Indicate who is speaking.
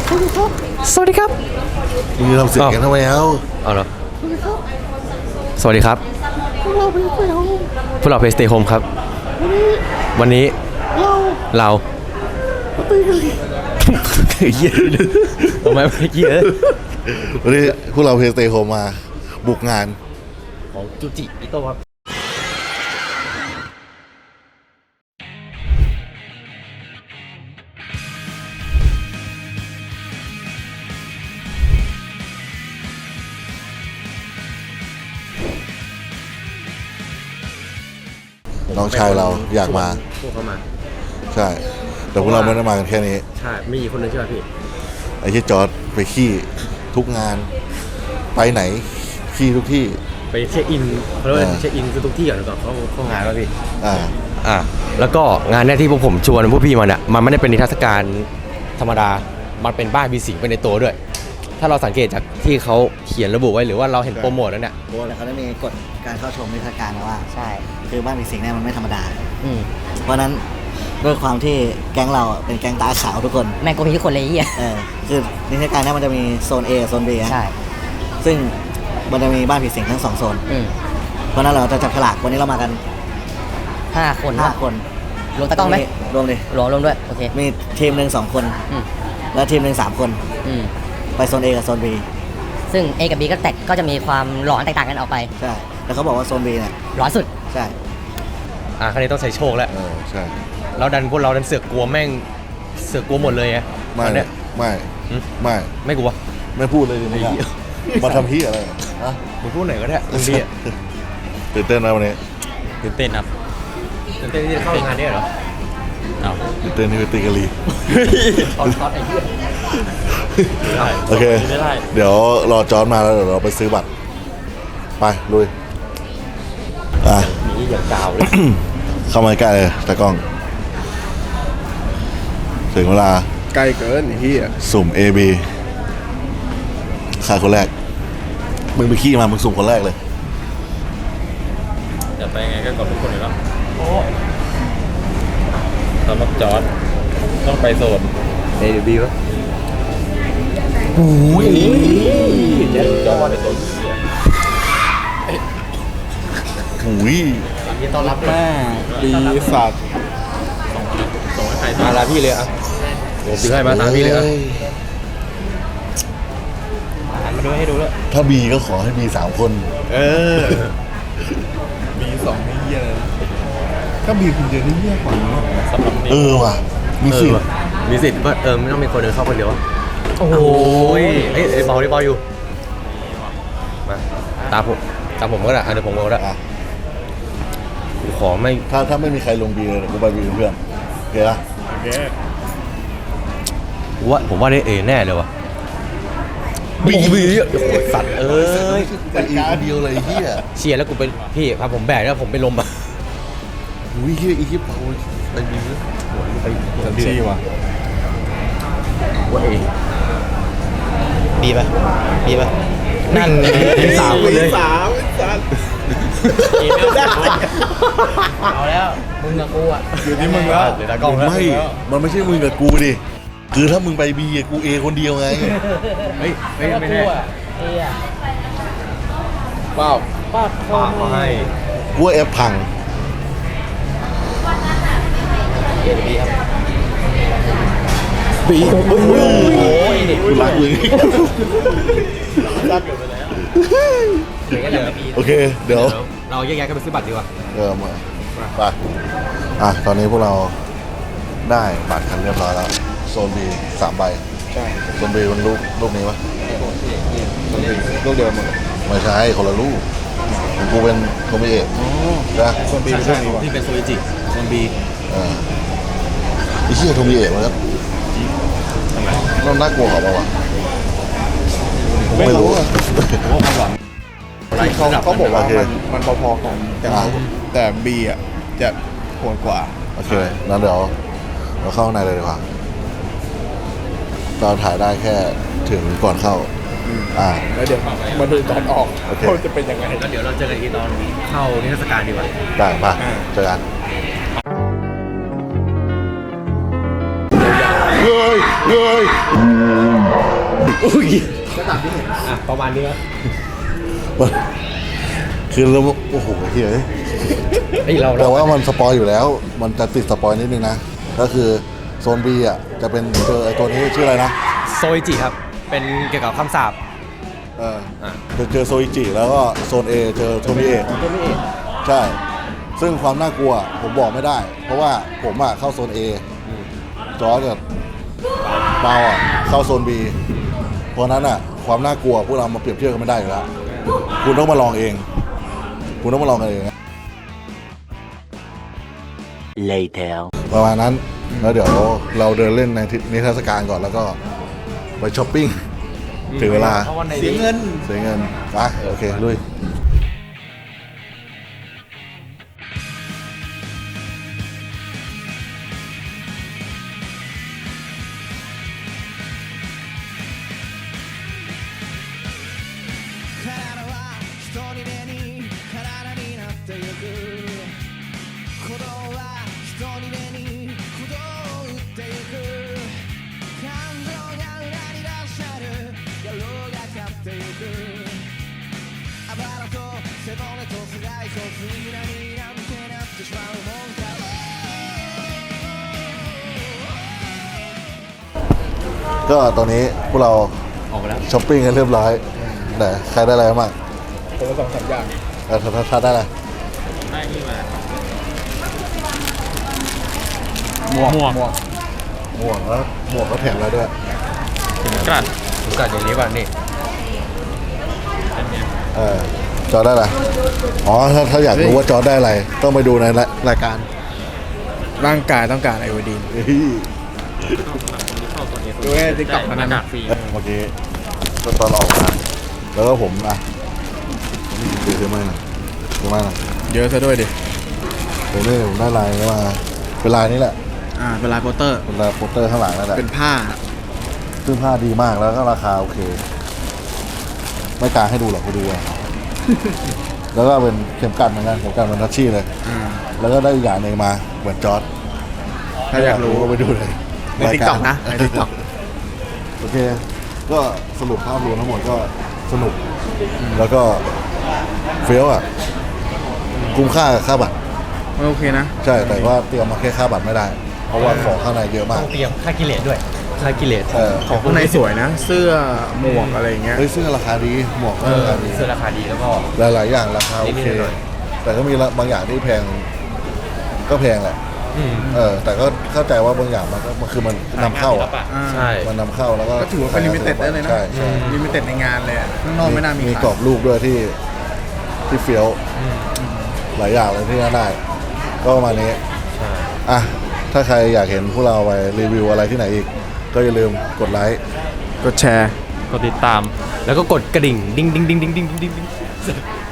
Speaker 1: สวัสดีครับ
Speaker 2: มึงทำเสียงกันทำไมเอา
Speaker 1: เหรอสวัสดีครับพวกเราเพสเตย์โฮมครับวันนี้เราเยอะทำไมไม่เยอะ
Speaker 2: วันนี้พวกเราเพสเตย์โฮมมาบุกงาน
Speaker 1: ของจูจิอิโต้ครับ
Speaker 2: น้องชายเราอยากมา
Speaker 1: พวกเขามา
Speaker 2: ใช่แต่พวกเราไม่ได้มากันแค่นี้
Speaker 1: ใช่มีคนนึงใช่ไหมพี่
Speaker 2: ไอ้ที่จอร์ดไปขี้ทุกงานไปไหนขี้ทุกที่
Speaker 1: ไปเช็คอินเขาเรียกว่าเช็คอินคือทุกที่ก่อนก่อนเข้างานแล้วพี่แล้วก็งานเนี้ยที่พวกผมชวนพวกพี่มาเนี่ยมันไม่ได้เป็นนิทรรศการธรรมดามันเป็นบ้านมีสิงไปในตัวด้วยถ้าเราสังเกตจากที่เขาเขียนระบุไว้หรือว่าเราเห็นโปรโมทแล้วเนี่ย
Speaker 3: แล้วเขาได้มีกฎการเข้าชมนิทรรศการนะว่าใช่คือบ้านมีสิงเนี่ยมันไม่ธรรมดาเพราะนั้นด้วยความที่แก๊งเราเป็นแก๊งตาขาวทุกคน
Speaker 4: แม่งโกงทุกคนเลย
Speaker 3: คือนิทรรศการเนี่ยมันจะมีโซน A กับโซน B
Speaker 4: ใช่
Speaker 3: ซึ่งมันจะมีบ้านผีสิงทั้ง2โซนเพราะนั้นเราจะจับฉลากวันนี้เรามากัน
Speaker 4: 5 คนรวมตะกล้องไหม
Speaker 3: รวมดิ
Speaker 4: รวมด้วยโอเค
Speaker 3: มีทีมหนึ่ง2 คนแล้วทีมหนึ่ง3 คนไปโซน A กับโซน B
Speaker 4: ซึ่ง A กับ B ก็จะมีความหลอนแตกต่างกันออกไป
Speaker 3: ใช่แต่เขาบอกว่าโซน B เนี่ย
Speaker 4: หลอนสุด
Speaker 3: ใช่
Speaker 1: ครั้งนี้ต้องใช้โชคแล้ว
Speaker 2: ใช่
Speaker 1: เราพวกเราดันเสือกกลัวแม่งเสือกกลัวหมดเลยไงไม่กลัว
Speaker 2: ไม่พูดเลยนี่มาทำพี่อะไร
Speaker 1: มึงพูดไหนก็ได้มึงดี
Speaker 2: ตื่นเต้นนะวันนี้
Speaker 1: ตื่นเต้นครับตื่นเต้นที่จะเข้างานนี้เหรอ
Speaker 2: ตื่นเต้นที่ไปตีกะลี
Speaker 1: ช็อตไอ้เหี้ย
Speaker 2: โอเคเดี๋ยวรอจอร์จมาแล้วเดี๋ยวเราไปซื้อบัตรไปลุย
Speaker 1: นี่อย่างกาวเลย
Speaker 2: เข้ามาใกล้เลยตากล้องถึงเวลา
Speaker 5: ใกล้เกินไอ้เหี้ย
Speaker 2: สุ่ม AB ใครคนแรกมึงไปขี้มามึงสุ่มคนแรกเลย
Speaker 1: จะไปไงก็กดทุกคนเลยแล้วสำหรับจอร์จต้องไปโซน AB วะโอ้ยเจ๊จอร์จในโซนยินต้อนรับ
Speaker 5: แม่ปีศาจ
Speaker 1: ส่งให้ใครมาลาพี่เลยอ่ะโอ้พี่ให้มาตามพี่เลยอ่ะหันมาดูให้ดูแล้ว
Speaker 2: ถ้าบีก็ขอให้บี3 คน
Speaker 5: บี2นี่เหี้ยถ้าบีคนเดียวนี่เหี้ยกว่านี้
Speaker 1: สำหรับนี้
Speaker 2: ว่ะมีสิทธิ์
Speaker 1: ว่าไม่ต้องมีคนเดินเข้าคนเดียวโอ้ยเฮ้ยเบาอยู่มาตามผมก็ได้เดี๋ยวผมก็ได้ขอไม่
Speaker 2: ถ้าไม่มีใครลงบีเลยกูไปบีเพื่อนโอเคละ
Speaker 5: โอเค
Speaker 1: ผมว่าได้แน่เลยวะบีโอ้โหสัตว์
Speaker 2: ไปอีกเดียวเลยเฮีย
Speaker 1: เชียร์แล้วกูเป็นพี่พาผมแบกแล้วผมไปลมอ่ะ
Speaker 2: เฮียอีกเปล่าไปบี
Speaker 5: เต็มที่ว่ะ
Speaker 1: บีป่ะนั่น3 คนเลยเอาแล้วมึงกับกูอ่ะ
Speaker 5: อยู่ที่มึงแล้ว
Speaker 2: มันไม่ใช่มึงกับกูดิคือถ้ามึงไปบีกูเอคนเดียวไง
Speaker 1: ไม่แน่
Speaker 5: ป้า
Speaker 1: เขาให้
Speaker 2: กูแอบพัง
Speaker 1: บีโอ้ย
Speaker 2: กูรักมึงโอเคเดี๋ยว
Speaker 1: เราแยกกันไปซื้อบัตรดีกว่า
Speaker 2: มาไปตอนนี้พวกเราได้บัตรกันเรียบร้อยแล้วโซน B 3 ใบ
Speaker 5: ใช่
Speaker 2: โซน B มันลูกนี้ปะ
Speaker 5: โซน B ลูกเดิมหมด
Speaker 2: ไม่ใช่คนละลูกของกูเป็นโทมิเอะนะ
Speaker 5: โซน B เป็นลูกนี้วะ
Speaker 1: ที่เป็นโซอิจิโซน B
Speaker 2: ไอ้เหี้ยโทมิเอะมันน่ากลัวเหรอเปล่าวะไม่รู้อะ
Speaker 5: เขาบอกว่ามันพอๆกันแต่ B อ่ะจะโหดกว่า
Speaker 2: โอเคงั้นเดี๋ยวเราเข้าในเลยดีกว่าเราถ่ายได้แค่ถึงก่อนเข้า
Speaker 5: แล้วเดี๋ยวมาดูตอนออกเขาจะเป็นยังไง
Speaker 1: แล้วเดี๋ยวเราเจอกันอีกตอนเข้านิทรรศการดีกว่า
Speaker 2: ได้ป่ะเจอกันเฮ้ย
Speaker 1: อุ้ยก็ตามที่เห็นประมาณนี้ครับ
Speaker 2: คือเราโอ้โหเฮ้ย
Speaker 1: เฮ้ยเรา
Speaker 2: แต่ว่ามันสปอยอยู่แล้ว มันจะติดสปอยนิดนึงนะ ก็คือโซน B อ่ะจะเป็นเจอไอ้ตัวนี้ชื่ออะไรนะ
Speaker 1: โซอิจิครับ เป็นเกี่ยวกับคำสาป
Speaker 2: จะเจอโซอิจิแล้วก็โซน A เจอโทมิเอะ
Speaker 1: ตัวนี้เอง
Speaker 2: ใช่ ซึ่งความน่ากลัวผมบอกไม่ได้ เพราะว่าผมอ่ะเข้าโซน A จอร์จกับเปาอ่ะเข้าโซน B เพราะนั้นอ่ะความน่ากลัวพวกเรามาเปรียบเทียบกันไม่ได้อยู่แล้วคุณต้องมาลองเอง คุณต้องมาลองกันเอง
Speaker 3: later
Speaker 2: ประมาณนั้น แล้วเดี๋ยวเราเดินเล่นในนิทรรศการก่อนแล้วก็ไปช้อปปิ้งถึงเวลา
Speaker 5: เสียเงิน
Speaker 2: เสียเงินไปโอเคลุย ก็ตอนนี้พวกเรา
Speaker 1: ออกมาแล้ว
Speaker 2: ช้อปปิ้งกันเรียบร้อยไหนใครได้อะไรบ้าง
Speaker 5: คนละ2-3 อย่าง
Speaker 2: ถ้าได้อะไร
Speaker 5: หมวก
Speaker 2: หมวกแล้วหมวกก็แถมแล้วด้วย
Speaker 1: กัดอย่างนี้ป่ะนี่
Speaker 2: จอได้อะไรอ๋อถ้าอยากรู้ว่าจอได้อะไร ต้องไปดูในรายการ
Speaker 5: ร่างกายต้องการไอโอดีน
Speaker 2: เฮ้ย
Speaker 5: ดูในติ๊กต็อกนั้นนะ
Speaker 2: เมื่อกี้ก็ตอนออกมาแล้วก็ผมถือไม้หน่อยถือไม้หน่อย
Speaker 5: เยอะซะด้วยดิ
Speaker 2: ผมได้ลายนี้มาเป็นลายนี้แหละ
Speaker 5: เป็นลายโปสเตอร์
Speaker 2: เป็นลายโปสเตอร์ข้างหลังนั่นแหละ
Speaker 5: เป็นผ้า
Speaker 2: ซึ่งผ้าดีมากแล้วก็ราคาโอเค ไม่กล้าให้ดูหรอกไปดูเอา แล้วก็เป็นเข็มกัดเหมือนกันเข็มกัดมันทัชชี่เลย แล้วก็ได้อีกอย่างหนึ่งมาเหมือนจอร์ด
Speaker 5: ถ้าอยากรู้
Speaker 2: ก็ไปดูเลย
Speaker 5: ในติ๊กต็อกนะในติ๊กต็อก
Speaker 2: โอเค ก็สรุปภาพรวมทั้งหมดก็สนุก แล้วก็เฟี้ยวอ่ะ คุ้มค่ากับค่าบัตร
Speaker 5: โอเคนะ
Speaker 2: ใช่ แต่ว่าเตรียมมาแค่ค่าบัตรไม่ได้ เพราะว่าของข้างในเยอะมาก
Speaker 1: ต้องเตรียมค่ากิเลสด้วย ค่ากิเลส
Speaker 5: ของข้างในสวยนะ เสื้อหมวกอะไรอย่างเงี้ย
Speaker 2: เฮ้ยเสื้อราคาดี หมวกก็ราคาดี
Speaker 1: เสื้อราคาดีแล้วก็
Speaker 2: หลายๆอย่างราคาโอเค
Speaker 1: นิดๆหน่อย
Speaker 2: แต่ก็มีบางอย่างที่แพง ก็แพงแหละ แต่ก็เข้าใจว่าบางอย่างมันคือมันนำเข้าอ่ะ
Speaker 1: ใช่
Speaker 2: มันนำเข้าแล้วก็
Speaker 5: ก็ถือว่าเป็นลิมิเต็ดได้เลยนะ
Speaker 2: ใช่ใช่
Speaker 5: ลิมิเต็ดในงานเลยอะข้างนอกไม่น่ามี
Speaker 2: มี
Speaker 5: ขาย
Speaker 2: กรอบรูปด้วยที่เฟี้ยวหลายอย่างเลยที่น่าได้ ก็ประมาณนี้
Speaker 1: ใช่
Speaker 2: อ่ะ ถ้าใครอยากเห็นพวกเราไปรีวิวอะไรที่ไหนอีก ก็อย่าลืมกดไลค์
Speaker 5: กดแชร์
Speaker 1: กดติดตาม แล้วก็กดกระดิ่ง ดิ้ง